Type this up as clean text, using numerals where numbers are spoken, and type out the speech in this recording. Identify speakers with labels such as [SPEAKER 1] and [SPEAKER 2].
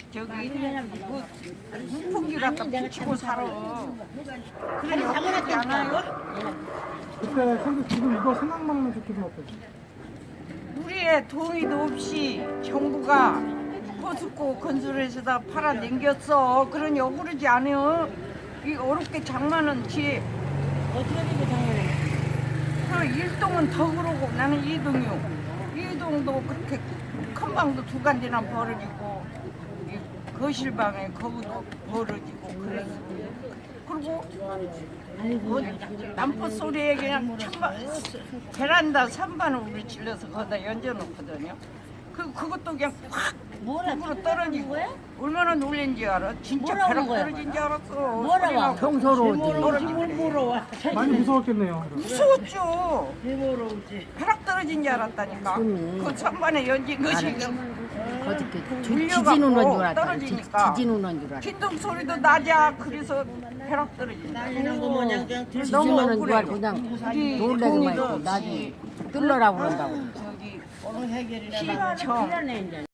[SPEAKER 1] 저기 그 무풍기 갖다 붙이고 살아. 그래 역겹지 않아요?
[SPEAKER 2] 그때 지금 이거 생각만 하면 좋기도 하고.
[SPEAKER 1] 우리의 동의도 없이 정부가 포스코 건설에서다 팔아 넘겼어. 그러니 억울하지 않아요? 이 어렵게 장만한 집.
[SPEAKER 3] 어떻게 되고 장난해?
[SPEAKER 1] 그 일동은 더 그러고 나는 이동이요. 이동도 그렇게 큰 방도 두 간지나 벌어지고 이 거실방에 거기도 벌어지고 그랬어. 그리고 뭐 남포 소리에 그냥 베란다 선반을 우리 질러서 거기다 연져놓거든요. 그것도 그냥 확 물로 떨어지고 얼마나 놀란지 알아? 진짜 벼락 떨어진 줄 알았어.
[SPEAKER 3] 뭐라고?
[SPEAKER 4] 평소로
[SPEAKER 3] 뭐로
[SPEAKER 2] 많이 무서웠겠네요.
[SPEAKER 1] 무서웠죠.
[SPEAKER 3] 뭐로 오지?
[SPEAKER 1] 벼락 떨어진 줄 알았다니까. 그 선반에 연진 것이
[SPEAKER 4] 거짓게
[SPEAKER 1] 물려갖고
[SPEAKER 4] 지진 오는 줄 알았다.
[SPEAKER 1] 떨어지니까.
[SPEAKER 4] 지진 오는 줄 알았다.
[SPEAKER 1] 킨동 소리도 나자. 그래서 벼락 떨어진다.
[SPEAKER 3] 이런 거 뭐냐 그냥
[SPEAKER 4] 지진
[SPEAKER 1] 너무
[SPEAKER 4] 오는 줄 알고
[SPEAKER 1] 억울해요.
[SPEAKER 4] 그냥
[SPEAKER 1] 우리
[SPEAKER 4] 놀래기만
[SPEAKER 1] 동의도
[SPEAKER 4] 했고 나중에 뚫러라 그런다고.
[SPEAKER 1] 저기
[SPEAKER 3] 해결이나
[SPEAKER 1] 시청
[SPEAKER 3] 필요하네 이제.